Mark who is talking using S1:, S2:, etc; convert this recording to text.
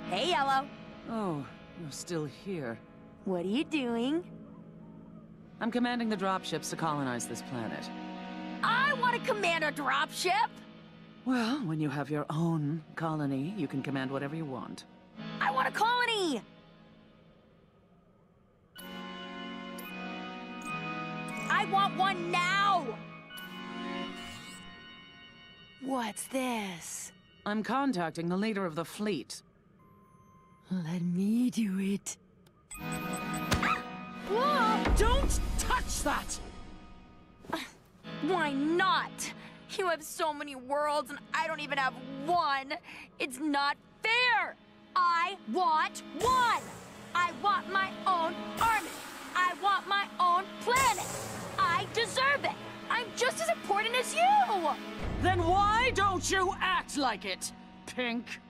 S1: Hey, Yellow.
S2: Oh, you're still here.
S1: What are you doing?
S2: I'm commanding the dropships to colonize this planet.
S1: I want to command a dropship!
S2: Well, when you have your own colony, you can command whatever you want.
S1: I want a colony! I want one now! What's this?
S2: I'm contacting the leader of the fleet.
S1: Let me do it. Whoa!
S2: Don't touch that!
S1: Why not? You have so many worlds and I don't even have one. It's not fair. I want one. I want my own army. I want my own planet. I deserve it. I'm just as important as you.
S2: Then why don't you act like it, Pink?